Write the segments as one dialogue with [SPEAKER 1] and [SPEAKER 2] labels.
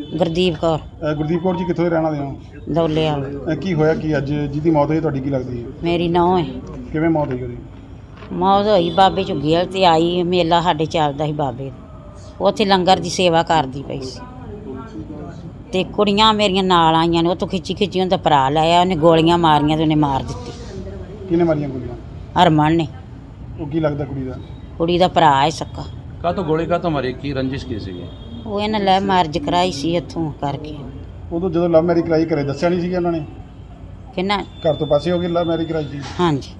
[SPEAKER 1] ਗੁਰਦੀਪ ਕੌਰ।
[SPEAKER 2] ਗੁਰਦੀਪ ਕੌਰ ਜੀ ਕਿੱਥੋਂ ਦੇ ਰਹਿਣ ਵਾਲੇ ਹੋ?
[SPEAKER 1] ਦੌਲੇ ਵਾਲ।
[SPEAKER 2] ਕੀ ਹੋਇਆ ਕੀ ਅੱਜ ਜਿਹਦੀ ਮੌਤ ਹੋਈ ਤੁਹਾਡੀ ਕੀ ਲੱਗਦੀ ਹੈ?
[SPEAKER 1] ਮੇਰੀ ਨੂੰਹ ਹੈ।
[SPEAKER 2] ਕਿਵੇਂ ਮੌਤ ਹੋਈ ਉਹਦੀ?
[SPEAKER 1] ਮੌਤ ਹੋਈ ਬਾਬੇ ਝੁੱਗੀ ਵਾਲ ਤੇ ਆਈ ਮੇਲਾ ਸਾਡੇ ਚੱਲਦਾ ਸੀ ਬਾਬੇ ਦਾ। ਉੱਥੇ ਲੰਗਰ ਦੀ ਸੇਵਾ ਕਰਦੀ ਪਈ ਸੀ ਤੇ ਕੁੜੀਆਂ ਮੇਰੀਆਂ ਨਾਲ ਆਈਆਂ ਨੇ। ਉੱਥੋਂ ਖਿੱਚੀ ਖਿੱਚੀ ਉਹਦਾ ਭਰਾ ਲਾਇਆ, ਉਹਨੇ ਗੋਲੀਆਂ ਮਾਰੀਆਂ ਤੇ ਉਹਨੇ ਮਾਰ ਦਿੱਤੀ।
[SPEAKER 2] ਕਿਹਨੇ ਮਾਰੀਆਂ ਗੋਲੀਆਂ?
[SPEAKER 1] ਹਰਮਨ ਨੇ।
[SPEAKER 2] ਉਹ ਕੀ ਲੱਗਦਾ ਕੁੜੀ ਦਾ?
[SPEAKER 1] ਕੁੜੀ ਦਾ ਭਰਾ ਹੈ ਸੱਕਾ।
[SPEAKER 3] ਕਾਹਤੋਂ ਗੋਲੀ ਕਾਹਤੋਂ ਮਾਰੀ? ਕੀ ਰੰਜਿਸ਼ ਕੀ ਸੀਗੀ?
[SPEAKER 1] ਉਹ ਇਹਨਾਂ ਲੈ ਮਾਰਜ ਕਰਾਈ ਸੀ ਇੱਥੋਂ ਕਰਕੇ।
[SPEAKER 2] ਉਦੋਂ ਜਦੋਂ ਲਵ ਮੈਰਿਜ ਕਰਾਈ ਘਰੇ ਦੱਸਿਆ ਨਹੀਂ ਸੀ ਇਹਨਾਂ ਨੇ?
[SPEAKER 1] ਕਿੰਨਾ?
[SPEAKER 2] ਘਰ ਤੋਂ ਪਾਸੇ ਹੋ ਗਈ ਲਵ ਮੈਰਿਜ ਕਰਾਈ ਸੀ?
[SPEAKER 1] ਹਾਂਜੀ।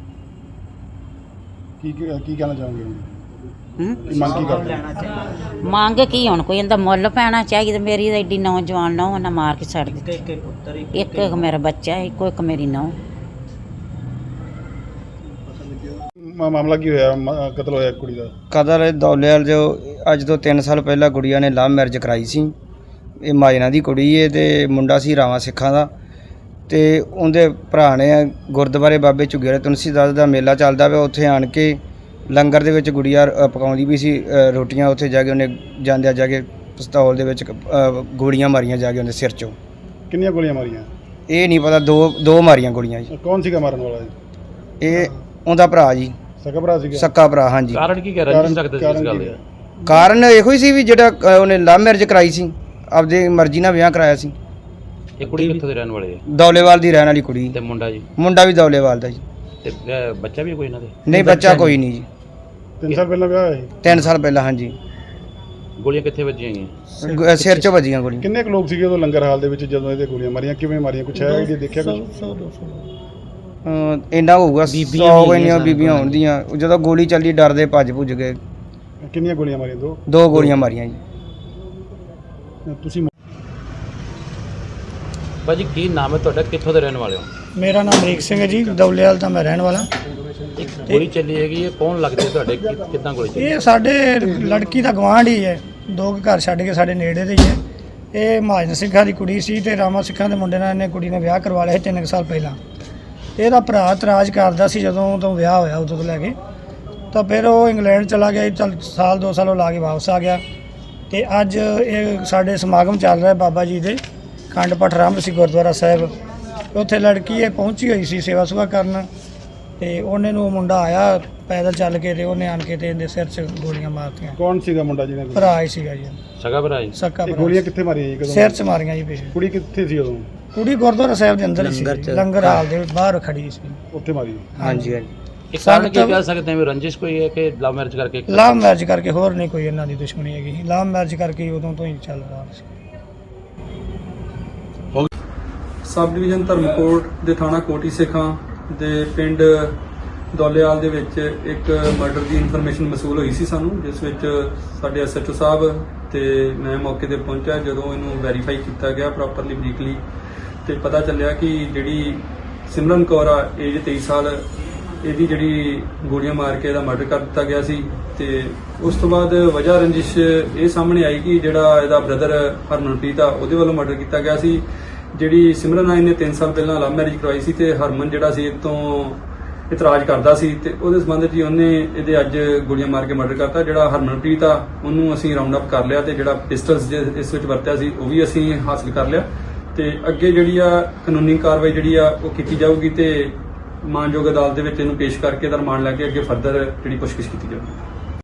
[SPEAKER 2] ਕੀ ਕਹਿਣਾ ਚਾਹੋਗੇ?
[SPEAKER 1] ਮੰਗ
[SPEAKER 2] ਕੀ ਕਰਦੇ?
[SPEAKER 1] ਮੰਗ ਕੀ ਹੁਣ ਕੋਈ ਇਹਦਾ ਮੁੱਲ ਪੈਣਾ ਚਾਹੀਦਾ। ਮੇਰੀ ਤਾਂ ਐਡੀ ਨੌਜਵਾਨ ਨਾ ਉਹਨਾਂ ਮਾਰ ਕੇ ਛੱਡ ਦਿੱਤੀ। ਇੱਕ ਮੇਰਾ ਬੱਚਾ, ਇੱਕ ਮੇਰੀ ਨੂੰਹ।
[SPEAKER 2] ਮਾਮਲਾ ਕੀ ਹੋਇਆ? ਕਤਲ ਹੋਇਆ ਕੁੜੀ ਦਾ?
[SPEAKER 4] ਕਤਲ ਦੌਲੇਵਾਲ ਜੋ ਅੱਜ ਤੋਂ 3 ਸਾਲ ਪਹਿਲਾਂ ਗੁੜੀਆ ਨੇ ਲਵ ਮੈਰਿਜ ਕਰਾਈ ਸੀ। ਇਹ ਮਾਜਨਾ ਦੀ ਕੁੜੀ ਏ ਤੇ ਮੁੰਡਾ ਸੀ ਰਾਵਾਂ ਸਿੱਖਾਂ ਦਾ। ਤੇ ਉਹਦੇ ਭਰਾ ਨੇ ਗੁਰਦੁਆਰੇ ਬਾਬੇ ਝੁੱਗੀ ਵਾਲੇ ਤੁਲਸੀਦਾਸ ਦਾ ਮੇਲਾ ਚੱਲਦਾ ਪਿਆ, ਉੱਥੇ ਆਣ ਕੇ ਲੰਗਰ ਦੇ ਵਿੱਚ ਗੁੜੀਆ ਪਕਾਉਂਦੀ ਵੀ ਸੀ ਰੋਟੀਆਂ। ਉੱਥੇ ਜਾ ਕੇ ਉਹਨੇ ਜਾਂਦਿਆਂ ਜਾ ਕੇ ਪਿਸਤੌਲ ਦੇ ਵਿੱਚ ਗੋਲੀਆਂ ਮਾਰੀਆਂ ਜਾ ਕੇ ਉਹਦੇ ਸਿਰ 'ਚੋਂ।
[SPEAKER 2] ਕਿੰਨੀਆਂ ਗੋਲੀਆਂ ਮਾਰੀਆਂ?
[SPEAKER 4] ਇਹ ਨਹੀਂ ਪਤਾ, ਦੋ ਮਾਰੀਆਂ ਗੋਲੀਆਂ ਜੀ।
[SPEAKER 2] ਕੌਣ ਸੀਗਾ ਮਾਰਨ ਵਾਲਾ ਜੀ?
[SPEAKER 4] ਇਹ ਉਹਦਾ ਭਰਾ ਜੀ।
[SPEAKER 2] ਸਕਾ ਭਰਾ ਸੀਗਾ?
[SPEAKER 4] ਸੱਕਾ ਭਰਾ, ਹਾਂਜੀ।
[SPEAKER 3] ਕਾਰਨ ਕੀ ਕਹਿ ਰੰਜਿਸ਼ ਰੱਖਦੇ ਸੀ ਇਸ ਗੱਲ ਦੇ?
[SPEAKER 4] ਕਾਰਨ ਇਹੋ ਹੀ ਸੀ ਵੀ ਜਿਹੜਾ ਉਹਨੇ ਲਵ ਮੈਰਿਜ ਕਰਾਈ ਸੀ, ਆਪਦੀ ਮਰਜ਼ੀ ਨਾਲ ਵਿਆਹ ਕਰਾਇਆ ਸੀ।
[SPEAKER 3] ਇਹ ਕੁੜੀ ਕਿੱਥੋਂ ਦੇ ਰਹਿਣ ਵਾਲੇ ਹੈ?
[SPEAKER 4] ਦੌਲੇਵਾਲ ਦੀ ਰਹਿਣ ਵਾਲੀ ਕੁੜੀ।
[SPEAKER 3] ਤੇ ਮੁੰਡਾ ਜੀ?
[SPEAKER 4] ਮੁੰਡਾ ਵੀ ਦੌਲੇਵਾਲ ਦਾ ਜੀ।
[SPEAKER 3] ਤੇ ਬੱਚਾ ਵੀ ਕੋਈ ਇਹਨਾਂ ਦੇ?
[SPEAKER 4] ਨਹੀਂ, ਬੱਚਾ ਕੋਈ ਨਹੀਂ ਜੀ।
[SPEAKER 2] 3 ਸਾਲ ਪਹਿਲਾਂ ਵਿਆਹ ਹੋਇਆ ਸੀ?
[SPEAKER 4] 3 ਸਾਲ ਪਹਿਲਾਂ, ਹਾਂਜੀ।
[SPEAKER 3] ਗੋਲੀਆਂ ਕਿੱਥੇ ਵੱਜੀਆਂ ਗਈਆਂ?
[SPEAKER 4] ਸਿਰ 'ਚੋਂ ਵੱਜੀਆਂ ਗੋਲੀਆਂ।
[SPEAKER 2] ਕਿੰਨੇ ਕੁ ਲੋਕ ਸੀਗੇ ਉਦੋਂ ਲੰਗਰ ਹਾਲ ਦੇ ਵਿੱਚ ਜਦੋਂ ਇਹਦੇ ਗੋਲੀਆਂ ਮਾਰੀਆਂ? ਕਿਵੇਂ ਮਾਰੀਆਂ? ਕੁਛ ਹੈ ਜੀ ਦੇਖਿਆ ਕੁਛ?
[SPEAKER 4] ਇੰਨਾ ਹੋਊਗਾ 100 ਇੰਨੀਆਂ ਬੀਬੀਆਂ ਹੁੰਦੀਆਂ। ਜਦੋਂ ਗੋਲੀ ਚੱਲੀ ਡਰਦੇ ਭੱਜ ਭੁੱਜ ਗਏ।
[SPEAKER 2] ਕਿੰਨੀਆਂ ਗੋਲੀਆਂ ਮਾਰੀਆਂ?
[SPEAKER 4] ਦੋ ਗੋਲੀਆਂ ਮਾਰੀਆਂ ਜੀ।
[SPEAKER 2] ਤੁਸੀਂ
[SPEAKER 3] ਭਾਜੀ ਕੀ ਨਾਮ ਹੈ ਤੁਹਾਡਾ? ਕਿੱਥੋਂ ਦੇ ਰਹਿਣ ਵਾਲੇ ਹੋ?
[SPEAKER 5] ਮੇਰਾ ਨਾਮ ਅਮਰੀਕ ਸਿੰਘ ਹੈ ਜੀ, ਦੌਲੇਵਾਲ ਦਾ ਮੈਂ ਰਹਿਣ ਵਾਲਾ।
[SPEAKER 3] ਇੱਕ ਗੋਲੀ ਚੱਲੀ ਹੈਗੀ, ਇਹ ਕੌਣ ਲੱਗਦੇ ਤੁਹਾਡੇ? ਕਿੱਦਾਂ ਗੋਲੀ ਚੱਲੀ?
[SPEAKER 5] ਇਹ ਸਾਡੇ ਲੜਕੀ ਦਾ ਗੁਆਂਢ ਹੀ ਹੈ, 2 ਘਰ ਛੱਡ ਕੇ ਸਾਡੇ ਨੇੜੇ ਦੇ ਹੀ ਹੈ। ਇਹ ਮਹਾਜਨ ਸਿੰਘਾਂ ਦੀ ਕੁੜੀ ਸੀ ਤੇ ਰਾਮਾ ਸਿੱਖਾਂ ਦੇ ਮੁੰਡੇ ਨਾਲ ਇਹਨੇ ਕੁੜੀ ਨੇ ਵਿਆਹ ਕਰਵਾ ਲਿਆ ਸੀ 3 ਸਾਲ ਪਹਿਲਾਂ। ਇਹਦਾ ਭਰਾ ਇਤਰਾਜ਼ ਕਰਦਾ ਸੀ ਜਦੋਂ ਤੋਂ ਵਿਆਹ ਹੋਇਆ ਉਦੋਂ ਤੋਂ ਲੈ ਕੇ। ਤਾਂ ਫਿਰ ਉਹ ਇੰਗਲੈਂਡ ਚਲਾ ਗਿਆ। ਚੱਲ ਸਾਲ 2 ਸਾਲ ਉਹ ਲਾ ਕੇ ਵਾਪਸ ਆ ਗਿਆ। ਤੇ ਅੱਜ ਇਹ ਸਾਡੇ ਸਮਾਗਮ ਚੱਲ ਰਿਹਾ ਬਾਬਾ ਜੀ ਦੇ ਖੰਡ ਪਾਠ ਆਰੰਭ ਸੀ ਗੁਰਦੁਆਰਾ ਸਾਹਿਬ। ਉੱਥੇ ਲੜਕੀ ਇਹ ਪਹੁੰਚੀ ਹੋਈ ਸੀ ਸੇਵਾ ਸੁਭਾ ਕਰਨ। ਤੇ ਉਹਨੇ ਨੂੰ ਮੁੰਡਾ ਆਇਆ ਪੈਦਲ ਚੱਲ ਕੇ ਤੇ ਉਹਨੇ ਆਣ ਕੇ ਤੇ ਇਹਦੇ ਸਿਰ 'ਚ ਗੋਲੀਆਂ ਮਾਰਤੀਆਂ।
[SPEAKER 2] ਕੌਣ ਸੀਗਾ ਮੁੰਡਾ ਜਿਹਨੇ?
[SPEAKER 5] ਭਰਾ ਹੀ ਸੀਗਾ ਜੀ,
[SPEAKER 3] ਸਗਾ ਭਰਾ ਜੀ?
[SPEAKER 5] ਸੱਕਾ ਭਰਾ।
[SPEAKER 2] ਗੋਲੀਆਂ ਕਿੱਥੇ ਮਾਰੀਆਂ ਜੀ? ਕਦੋਂ?
[SPEAKER 5] ਸਿਰ 'ਚ ਮਾਰੀਆਂ ਜੀ ਪਿੱਛੇ।
[SPEAKER 2] ਕੁੜੀ ਕਿੱਥੇ ਸੀ ਉਦੋਂ?
[SPEAKER 5] ਕੁੜੀ ਗੁਰਦੁਆਰਾ ਸਾਹਿਬ ਦੇ ਅੰਦਰ ਹੀ ਸੀ, ਲੰਗਰ ਹਾਲ ਦੇ ਬਾਹਰ ਖੜੀ ਸੀ।
[SPEAKER 2] ਉੱਥੇ ਮਾਰੀ?
[SPEAKER 4] ਹਾਂਜੀ, ਹਾਂਜੀ।
[SPEAKER 3] ਇਹ ਕਾਰਨ ਕੀ ਕਹਿ ਸਕਦੇ ਹਾਂ? ਰੰਜਿਸ਼ ਕੋਈ ਹੈ ਕਿ ਲਵ ਮੈਰਿਜ ਕਰਕੇ?
[SPEAKER 5] ਲਵ ਮੈਰਿਜ ਕਰਕੇ, ਹੋਰ ਨਹੀਂ ਕੋਈ ਇਹਨਾਂ ਦੀ ਦੁਸ਼ਮਣੀ ਹੈਗੀ। ਲਵ ਮੈਰਿਜ ਕਰਕੇ ਉਦੋਂ ਤੋਂ ਹੀ ਚੱਲ ਰਿਹਾ ਸੀ।
[SPEAKER 6] ਸਬ ਡਿਵੀਜ਼ਨ ਧਰਮਕੋਟ ਦੇ ਥਾਣਾ ਕੋਟੀ ਸਿੱਖਾਂ ਦੇ ਪਿੰਡ ਦੌਲੇਵਾਲ ਦੇ ਵਿੱਚ ਇੱਕ ਮਰਡਰ ਦੀ ਇਨਫੋਰਮੇਸ਼ਨ ਮਸੂਲ ਹੋਈ ਸੀ ਸਾਨੂੰ, ਜਿਸ ਵਿੱਚ ਸਾਡੇ ਐਸਐਚਓ ਸਾਹਿਬ ਤੇ ਮੈਂ ਮੌਕੇ ਤੇ ਪਹੁੰਚਿਆ। ਜਦੋਂ ਇਹਨੂੰ ਵੈਰੀਫਾਈ ਕੀਤਾ ਗਿਆ ਪ੍ਰੋਪਰਲੀ ਬਰੀਕਲੀ ਤੇ ਪਤਾ ਚੱਲਿਆ ਕਿ ਜਿਹੜੀ ਸਿਮਰਨ ਕੌਰ ਆ, ਏਜ 23 ਸਾਲ, ਇਹਦੀ ਜਿਹੜੀ ਗੋਲੀਆਂ ਮਾਰ ਕੇ ਇਹਦਾ ਮਰਡਰ ਕਰ ਦਿੱਤਾ ਗਿਆ ਸੀ। ਤੇ ਉਸ ਤੋਂ ਬਾਅਦ ਵਜ੍ਹਾ ਰੰਜਿਸ਼ ਇਹ ਸਾਹਮਣੇ ਆਈ ਕਿ ਜਿਹੜਾ ਇਹਦਾ ਬ੍ਰਦਰ ਹਰਮਨਪ੍ਰੀਤ ਆ, ਉਹਦੇ ਵੱਲੋਂ ਮਰਡਰ ਕੀਤਾ ਗਿਆ ਸੀ। ਜਿਹੜੀ ਸਿਮਰਨ ਆਈ ਨੇ 3 ਸਾਲ ਪਹਿਲਾਂ ਲਵ ਮੈਰਿਜ ਕਰਵਾਈ ਸੀ ਤੇ ਹਰਮਨ ਜਿਹੜਾ ਸੀ ਇਹ ਤੋਂ ਇਤਰਾਜ਼ ਕਰਦਾ ਸੀ ਤੇ ਉਹਦੇ ਸੰਬੰਧ 'ਚ ਉਹਨੇ ਇਹਦੇ ਅੱਜ ਗੋਲੀਆਂ ਮਾਰ ਕੇ ਮਰਡਰ ਕਰਤਾ। ਜਿਹੜਾ ਹਰਮਨਪ੍ਰੀਤ ਆ ਉਹਨੂੰ ਅਸੀਂ ਰਾਉਂਡ ਅਪ ਕਰ ਲਿਆ ਤੇ ਜਿਹੜਾ ਪਿਸਟਲਸ ਇਸ ਵਿੱਚ ਵਰਤਿਆ ਸੀ ਉਹ ਵੀ ਅਸੀਂ ਹਾਸਲ ਕਰ ਲਿਆ। ਤੇ ਅੱਗੇ ਜਿਹੜੀ ਆ ਕਾਨੂੰਨੀ ਕਾਰਵਾਈ ਜਿਹੜੀ ਆ ਉਹ ਕੀਤੀ ਜਾਊਗੀ ਤੇ ਮਾਨਯੋਗ ਅਦਾਲਤ ਦੇ ਵਿੱਚ ਇਹਨੂੰ ਪੇਸ਼ ਕਰਕੇ ਇਹਦਾ ਰਿਮਾਂਡ ਲੈ ਕੇ ਅੱਗੇ ਫਰਦਰ ਜਿਹੜੀ ਪੁੱਛਗਿੱਛ ਕੀਤੀ ਜਾਊਗੀ।